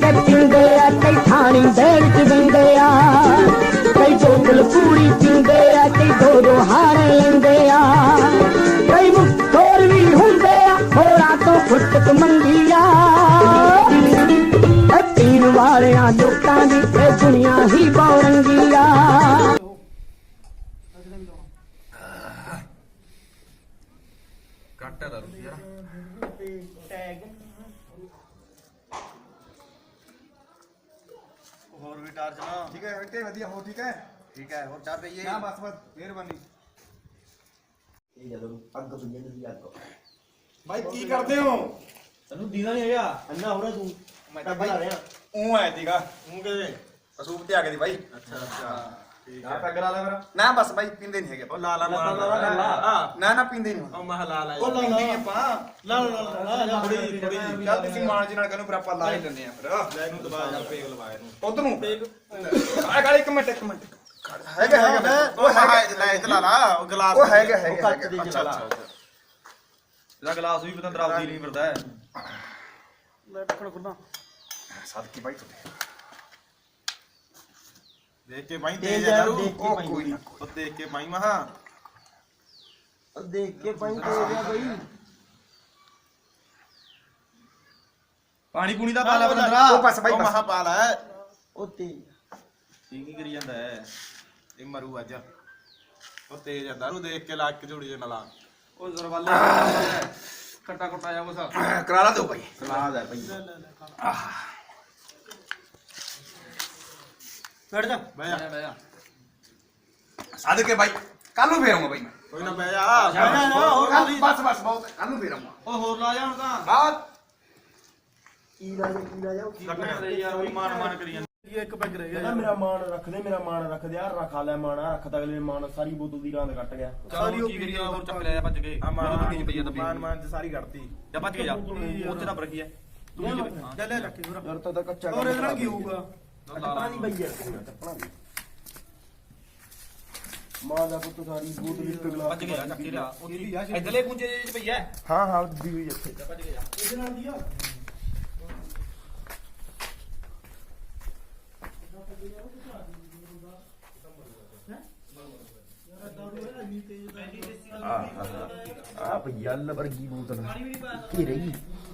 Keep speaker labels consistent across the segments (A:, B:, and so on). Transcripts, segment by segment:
A: पींदे आ कई थानी देर च वेंदे आ कई बोतल पूरी पींदे आ कई दो दो हार लेंदे आ कई मुखोर भी हुंदे आ होरा तो फुटक मंगी आ पीण वालियां लोकां दी ए दुनिया ही बौरंगी आ
B: ਕੱਟ ਦਾ ਰੁਪਿਆ ਹੋਰ ਵੀ ਟਾਰਚ ਨਾ
C: ਠੀਕ ਹੈ ਓਕੇ ਵਧੀਆ ਹੋ ਠੀਕ ਹੈ
B: ਹੋਰ ਚਾਹ ਪਈਏ
C: ਨਾ ਬਸ ਮਿਹਰਬਾਨੀ
D: ਇਹ ਜਦੋਂ ਅੱਗ ਤੋਂ ਜਿੰਦ ਦੀ ਅੱਗ
C: ਬਾਈ ਕੀ ਕਰਦੇ ਹੋ
D: ਤੈਨੂੰ ਦੀਦਾ ਨਹੀਂ ਹੈਗਾ ਅੰਨਾ ਹੋ ਰਿਹਾ ਤੂੰ
C: ਮੈਂ ਤਾਂ
D: ਬਣਾ ਰਿਹਾ
C: ਉਹ ਆਇਆ ਸੀਗਾ
B: ਮੂੰਹ ਕਿਵੇਂ
C: ਅਸੂਬ ਤੇ ਆ ਗਏ ਦੀ ਬਾਈ
B: ਅੱਛਾ ਠੀਕ
C: ਨਾ ਪੈਗ ਲਾ ਲੈ ਮੇਰਾ
B: ਨਾ ਬਸ ਬਾਈ ਪੀਂਦੇ ਨਹੀਂ ਹੈਗੇ
C: ਉਹ ਲਾ ਲਾ
B: ਨਾ ਪੀਂਦੇ ਨਹੀਂ
C: ਉਹ ਮਹ ਲਾ ਲਾ
D: ਉਹ ਲਾ ਲਾ।
C: ਪੀਂਦੇ ਨੀ ਆਪਾਂ
D: ਲਾ
C: ਥੋੜੀ ਚੱਲ ਤੁਸੀਂ ਮਾਨ ਜੀ ਨਾਲ ਕਹਿੰਦੇ ਫਿਰ ਆਪਾਂ ਲਾ ਹੀ ਲੈਂਦੇ ਆ ਫਿਰ
B: ਲੈ ਇਹਨੂੰ ਦਬਾ ਜਾ ਪੇਗ ਲਵਾ ਇਹਨੂੰ
C: ਉਧਰ ਨੂੰ ਆ ਗਾਲੀ ਇੱਕ ਮਿੰਟ ਹੈਗਾ
B: ਉਹ ਲੈ ਇਹ ਲਾ ਲਾ ਉਹ ਗਲਾਸ
C: ਉਹ ਹੈਗਾ
D: ਉਹ ਕੱਚ ਦੀ
B: ਅੱਛਾ
D: ਜਲਾ
B: ਇਹਦਾ ਗਲਾਸ ਵੀ ਪਤਾ ਦਰਾਵਦੀ ਨਹੀਂ ਫਿਰਦਾ ਹੈ
D: ਲੈ ਟੱਕਣ ਖੁੱਲਾ
C: ਸਾਦਕੀ ਬਾਈ ਤੁਹਾਡੇ
B: ਦੇਖ ਕੇ ਪਾਈ
D: ਤੇਜ਼
B: ਤੇਜ਼
D: ਆ,
B: ਦਾਰੂ
D: ਦੇਖ ਕੇ
C: ਉਹ
D: ਪਾਈ।
C: ਕੋਈ ਨਾ
B: ਉਹ ਦੇਖ ਕੇ ਪਾਈ ਮਹਾ
D: ਉਹ ਦੇਖ ਕੇ ਪਾਈ ਤੇ ਗਿਆ ਬਈ
B: ਪਾਣੀ ਪੂਣੀ ਦਾ ਪਾ ਲੈ ਬੰਦਰਾ
C: ਉਹ ਬਸ ਬਾਈ,
B: ਉਹ
C: ਬਸ।
B: ਮਹਾ ਪਾ ਲੈ
D: ਉਹ ਤੇ
B: ਠੀਕ ਹੀ ਕਰੀ ਜਾਂਦਾ ਹੈ ਇਹ ਮਰੂ ਅੱਜ ਉਹ ਤੇਜ਼ ਆ ਦਾਰੂ ਦੇਖ ਕੇ ਲਾਗ ਕੇ ਜੋੜੀ ਜੇ ਨਲਾ ਉਹ ਜ਼ਰਵਾਲੇ ਕੱਟਾ ਕੁੱਟਾ ਜਾ ਬਸ
C: ਕਰਾ ਲਾ ਦਿਓ ਬਾਈ
B: ਸਲਾਦ ਹੈ ਭਈ
D: ਬੈਠ ਜਾ
B: ਬਹਿ ਜਾ
C: ਸਾਦਕੇ ਬਾਈ ਕੱਲ ਨੂੰ ਫੇਰ ਆਉਂਗਾ ਬਾਈ ਮੈਂ
B: ਕੋਈ ਨਾ ਬਹਿ ਜਾ
C: ਬਸ ਬਹੁਤ ਕੱਲ ਨੂੰ ਫੇਰ ਆਉਂਗਾ
B: ਉਹ ਹੋਰ ਲਾ ਜਾ ਹੁਣ ਤਾਂ
C: ਬਾਤ
D: ਕੀ ਲਾ ਜਾ
B: ਕੱਟਣ ਦੇ ਯਾਰ ਉਹੀ ਮਾਨ ਕਰੀ ਜਾਂਦਾ
D: ਇੱਕ ਪੈਗ ਰਹਿ ਗਿਆ ਮੇਰਾ ਮਾਣ ਰੱਖ ਦੇ ਮੇਰਾ ਮਾਣ ਰੱਖ ਦੇ ਯਾਰ ਰਖਾ ਲੈ ਮਾਣਾ ਰੱਖਦਾ ਅਗਲੇ ਨੇ ਮਾਣ ਸਾਰੀ ਬੋਤਲ ਦੀ ਰਾਂਦ ਕੱਟ ਗਿਆ
B: ਸਾਰੀ ਉਹ ਕੀ ਕਰੀ ਹੋਰ ਚੱਕ ਲਿਆ ਭੱਜ ਕੇ ਉਹ ਤੂੰ ਕੀ ਪਈ ਜਾਂਦਾ
C: ਮਾਨ ਚ ਸਾਰੀ ਕੱਢਤੀ
B: ਜਾ ਭੱਜ ਕੇ ਜਾ ਉੱਥੇ ਰੱਬ ਰੱਖੀ ਹੈ ਤੂੰ ਕੀ
C: ਚੱਲ ਲੈ ਰੱਖੀ ਹੋਰ
D: ਯਾਰ ਤਾਂ ਕੱਚਾ
C: ਹੋਰ ਇਹਦੇ ਨਾਲ ਕੀ ਹੋਊਗਾ
D: ਟੱਪਣਾ ਨਹੀਂ ਬਈ ਯਾਰ ਟੱਪਣਾ ਨਹੀਂ ਮਾਂ ਦਾ ਪੁੱਤ ਸਾਰੀ ਬੋਤਲ ਇੱਕ ਗਲਾਸ
B: ਭੱਜ ਕੇ ਜਾ ਚੱਕ ਕੇ ਲਿਆ ਇਧਰਲੇ ਗੁੰਜੇ ਜਿਹੇ ਚ ਪਈ ਹੈ
D: ਹਾਂ ਹਾਂ ਦਿੱਤੀ ਹੋਈ ਇੱਥੇ
B: ਜਾ ਭੱਜ ਕੇ ਜਾ
C: ਇਹਦੇ ਨਾਲ ਦੀ ਆ
D: ਆ ਭਈ ਅੱਲ ਵਰਗੀ ਬੋਤਲ ਕੀ ਰਹੀ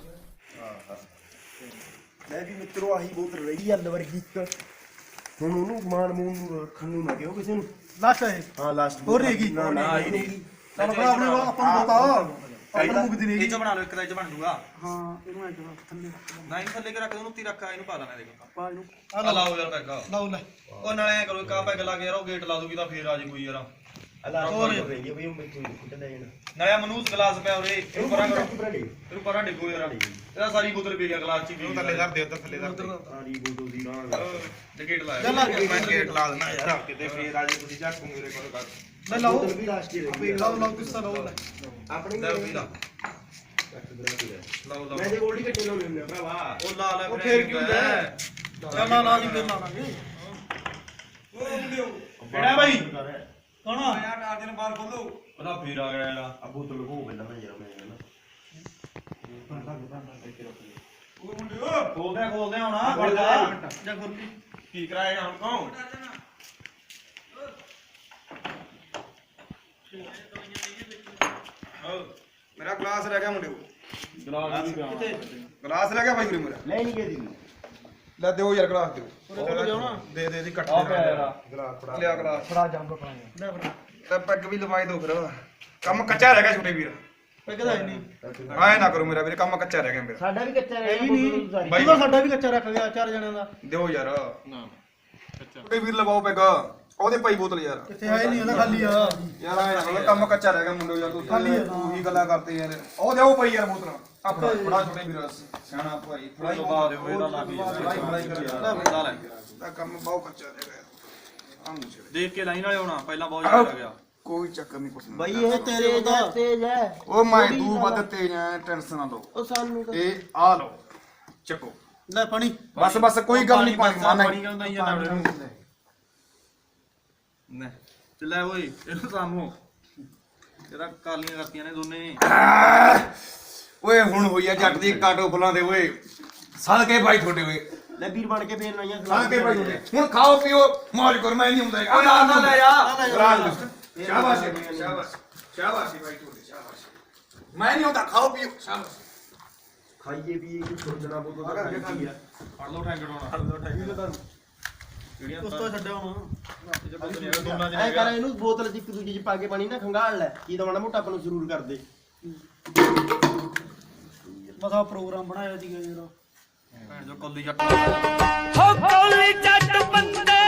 D: ਮੈਂ ਵੀ ਮਿੱਤਰੋ ਆਹੀ ਬੋਤਲ ਰਹੀ ਅੱਲ ਵਰਗੀ ਇੱਕ ਹੁਣ ਉਹਨੂੰ ਮਾਨ ਮੂਨ ਨੂੰ ਰੱਖਣ ਨੂੰ ਨਾ ਕਿਉਂ ਕਿਸੇ ਨੂੰ
C: ਲਾਸਟ ਹੈ
D: ਹਾਂ ਲਾਸਟ
C: ਹੋਰ ਰਹੇਗੀ?
D: ਨਾ ਆਹੀ ਨਹੀਂ
C: ਚੱਲ ਭਰਾ ਆਪਣੇ ਆਪਾਂ ਨੂੰ ਬਤਾ ਆਪਾਂ ਮੁਕਦੀ ਨਹੀਂ
B: ਇਹ ਚ ਬਣਾ ਲਓ ਇੱਕ ਦਾ ਇਹ ਚ ਬਣ ਜੂਗਾ
C: ਹਾਂ ਇਹਨੂੰ ਐ ਕਰੋ ਥੱਲੇ
B: ਨਾ ਇਹਨੂੰ ਥੱਲੇ ਕੇ ਰੱਖ ਦੇ ਉਹਨੂੰ ਉੱਤੀ ਰੱਖ ਇਹਨੂੰ ਪਾ ਦੇਣਾ ਇਹਦੇ ਕੋਲ
C: ਪਾ ਇਹਨੂੰ
B: ਆ ਲਾਓ ਯਾਰ ਪੈਗ
C: ਲਾਓ ਲੈ
B: ਉਹ ਨਾਲੇ ਐ ਕਰੋ ਕਾ ਪੈਗ ਲਾ ਕੇ ਯਾਰ ਉਹ ਗੇਟ ਲਾ ਦੂਗੀ ਤਾਂ ਫੇਰ ਆ ਜੇ ਕੋਈ ਯਾਰ
D: ਅੱਲਾ ਹੋਰ ਰਹੀ ਬਈ ਉਹ ਮੈਨੂੰ ਕੁੱਟ ਲੈ ਜਾਣਾ
B: ਨਾਲੇ ਮਨੂਸ ਗਲਾਸ ਪਿਆ ਉਰੇ ਇਹਨੂੰ ਪਰਾਂ ਕਰੋ
D: ਬਰੜੀ
B: ਇਹਨੂੰ ਪਰਾਂ ਡਿੱਗੋ ਯਾਰ ਇਹਦਾ ਸਾਰੀ ਬੋਤਲ ਪੀ ਗਿਆ ਗਲਾਸ ਚ ਹੀ
C: ਥੱਲੇ ਧਰ ਦੇ ਉੱਧਰ ਥੱਲੇ ਧਰ ਦੇ
D: ਸਾਰੀ ਬੋਤਲ ਦੀ ਰਾਂਦ
B: ਤੇ ਗੇਟ ਲਾਇਆ
C: ਚੱਲ ਆ ਗਿਆ।
B: ਮੈਂ ਗੇਟ ਲਾ ਦੇਣਾ ਯਾਰ ਕਿਤੇ ਫੇਰ ਆ ਜੇ ਤੁਸੀਂ ਝਾਕੂ ਮੇਰੇ ਕੋਲ ਕਰ
C: ਲੈ ਲਾਓ
D: ਬੋਤਲ ਵੀ ਲਾਸਟ ਹੀ ਰਹੀ
C: ਲਾਓ ਲਾਓ ਕਿਸਾ ਲਾਓ ਲੈ
D: ਆਪਣੀ
B: ਲੈ ਵੀ ਲਾ ਲਾਓ
D: ਮੈਂ
B: ਲਾਓ
D: ਤੇ ਗੋਲਡੀ ਕੱਟੇ ਲਾਉਣੇ ਹੁੰਦੇ ਆ ਭਰਾਵਾ
B: ਉਹ ਲਾ ਲੈ
C: ਉਹ ਫੇਰ ਕੀ ਹੁੰਦਾ ਹੈ? ਚੱਲ ਲਾ ਜੀ ਫੇਰ ਲਾਵਾਂਗੇ
B: ਕਿਹੜਾ ਬਾਈ
C: ਕੌਣ
B: ਆਇਆ ਟਾਰਜਨ ਨੂੰ ਬਾਹਰ ਖੋਲੋ ਉਹਦਾ ਫੇਰ ਆ ਗਿਆ ਯਾਰ
D: ਆ ਬੋਤਲ ਲਗੋ ਪਹਿਲਾਂ ਮੈਂ ਯਾਰ ਮੈਂ ਕਹਿੰਦਾ
B: ਖੋਲਦੇ ਹੁਣ ਫੜ ਜਾ
C: ਜਾ ਗੁਰਪ੍ਰੀਤ
B: ਕੀ ਕਰਾਏਗਾ ਹੁਣ ਕੌਣ
C: ਮੇਰਾ ਗਲਾਸ ਰਹਿ ਗਿਆ ਮੁੰਡਿਓ
B: ਗਲਾਸ ਵੀ ਪਿਆ
C: ਗਲਾਸ ਰਹਿ ਗਿਆ ਭਾਈ ਵੀਰੇ ਮੇਰਾ
D: ਲੈ ਨਹੀਂ ਗਈ ਦੀ
C: ਲੈ ਦਿਓ ਯਾਰ ਗਲਾਸ ਦਿਓ
B: ਕੋਲ ਦਿਓ ਨਾ।
C: ਦੇ ਦੇ ਦੀ ਕੱਟ
B: ਆ ਪਿਆ ਯਾਰ
C: ਗਲਾਸ ਫੜਾ ਲਿਆ ਗਲਾਸ
D: ਫੜਾ ਜੰਬ ਫੜਾ
C: ਲੈ ਫੜਾ ਤੇ ਪੈਗ ਵੀ ਲਵਾਈ ਦੋ ਫਿਰ ਕੰਮ ਕੱਚਾ ਰਹਿ ਗਿਆ ਛੋਟੇ ਵੀਰ
D: ਪੈਗ ਦਾ ਨਹੀਂ
C: ਆਏ ਨਾ ਕਰੋ ਮੇਰਾ ਵੀਰੇ ਕੰਮ ਕੱਚਾ ਰਹਿ ਗਿਆ ਮੇਰਾ
D: ਸਾਡਾ ਵੀ ਕੱਚਾ ਰਹਿ ਗਿਆ ਬੋਤਲ ਸਾਰੀ
C: ਬਾਈ
E: ਸਾਡਾ ਵੀ ਕੱਚਾ ਰੱਖ ਗਿਆ ਚਾਰ ਜਣਿਆਂ ਦਾ
C: ਦਿਓ ਯਾਰ
B: ਨਾ
C: ਛੋਟੇ ਵੀਰ ਲਵਾਓ ਪੈਗ ਉਹਦੇ ਭਾਈ ਬੋਤਲ ਯਾਰ
E: ਕਿੱਥੇ ਆਏ ਨਹੀਂ ਉਹਦਾ ਖਾਲੀ ਆ
C: ਯਾਰ ਆਏ ਨਾ ਕਰੋ, ਕੰਮ ਕੱਚਾ ਰਹਿ ਗਿਆ ਮੁੰਡੋ ਯਾਰ ਤੂੰ ਹੀ ਗੱਲਾਂ ਕਰਦੇ ਯਾਰ ਉਹ ਦਿਓ ਭਾਈ ਯਾਰ ਬੋਤਲ ਆ ਫੜਾ ਛੋਟੇ ਵੀਰ ਸਿਆਣਾ ਭਾਈ ਫੜਾਈ
B: ਦਬਾ ਦਿਓ ਇਹਦਾ ਲੱਗ
C: ਫੜਾਈ ਕਰੋ ਯਾਰ
B: ਬੰਦਾ ਲੈ
C: ਦਾ ਕੰਮ ਬਹੁਤ ਕੱਚਾ ਰਹਿ ਗਿਆ ਆਮ ਛੇੜੇ
B: ਦੇਖ ਕੇ ਲਾਈਨ ਵਾਲੇ ਹੋਣਾ ਪਹਿਲਾਂ ਬਹੁਤ ਜ਼ਿਆਦਾ ਗਿਆ
C: ਕੋਈ ਚੱਕਰ ਨਹੀਂ ਕੁਛ
D: ਬਈ ਇਹ ਤੇਰੇ ਦਾ ਤੇਜ ਹੈ
C: ਉਹ ਮੈਂ ਤੂੰ ਵੱਧ ਤੇਜ਼ ਐ ਟੈਨਸ਼ਨ ਨਾ ਲਓ
D: ਉਹ ਸਾਨੂੰ ਤਾਂ
C: ਇਹ ਆ ਲਓ ਚੱਕੋ
E: ਲੈ ਪਾਣੀ
C: ਬਸ ਬਸ ਕੋਈ ਗੱਲ ਨਹੀਂ ਪਾਣੀ ਮਾਨਾ
B: ਪਾਣੀ ਕਿਉਂ ਦਈ ਜਾਂਦਾ ਨੇ ਤੇ ਲੈ ਓਏ ਇਹਨੂੰ ਸਾਹਮੋ ਇਹਦਾ ਕਾਲੀਆਂ ਕਰਤੀਆਂ ਨੇ ਦੋਨੇ
C: ਓਏ ਹੁਣ ਹੋਈ ਆ ਜੱਟ ਦੀ ਕਾਟੋ ਫੁੱਲਾਂ ਦੇ ਓਏ ਸਦ ਕੇ ਭਾਈ ਤੁਹਾਡੇ ਓਏ
D: ਲੈ ਵੀਰ ਬਣ ਕੇ ਫੇਰ ਲਾਈਆਂ
C: ਲਾ ਕੇ ਭਾਈ ਹੁਣ ਖਾਓ ਪੀਓ ਮौज ਕਰੋ ਮੈਂ ਨਹੀਂ ਹੁੰਦਾ ਆ ਨਾ ਲੈ ਜਾ ਸ਼ਾਬਾਸ਼ ਸ਼ਾਬਾਸ਼ ਸ਼ਾਬਾਸ਼ ਭਾਈ ਤੁਹਾਡੇ ਸ਼ਾਬਾਸ਼ ਮੈਂ ਨਹੀਂ ਹੁੰਦਾ ਖਾਓ ਪੀਓ ਸ਼ਾਬਾਸ਼
D: ਖਾਈਏ ਵੀ ਇਹ ਸੋਚਣਾ ਬਹੁਤ ਤਾਂ ਖਾਈ ਆ
B: ਫੜ ਲਓ ਠੈਂਗੜ ਹੋਣਾ ਫੜ ਲਓ ਠੈਂਗੜ ਕਿਹੜੀਆਂ
E: ਉਸ ਤੋਂ ਛੱਡਿਆ ਹੁਣ
B: ਦੋਨਾਂ
D: ਐ ਕਰ ਇਹਨੂੰ ਬੋਤਲ ਚ ਇੱਕ ਦੂਜੀ ਚ ਪਾ ਕੇ ਪਾਣੀ ਨਾ ਖੰਗਾਲ ਲੈ ਕੀ ਤਾਂ ਮਾੜਾ ਮੋਟਾ ਆਪਾਂ ਨੂੰ ਜ਼ਰੂਰ ਕਰ ਦੇ
E: ਮਸਾ ਪ੍ਰੋਗਰਾਮ ਬਣਾਇਆ ਸੀਗਾ ਯਾਰ
B: ਭੈਣ ਜੋ ਕੱਲੀ ਜੱਟ
A: ਹੋ ਕੋਲੀ ਜੱਟ ਬੰਦੇ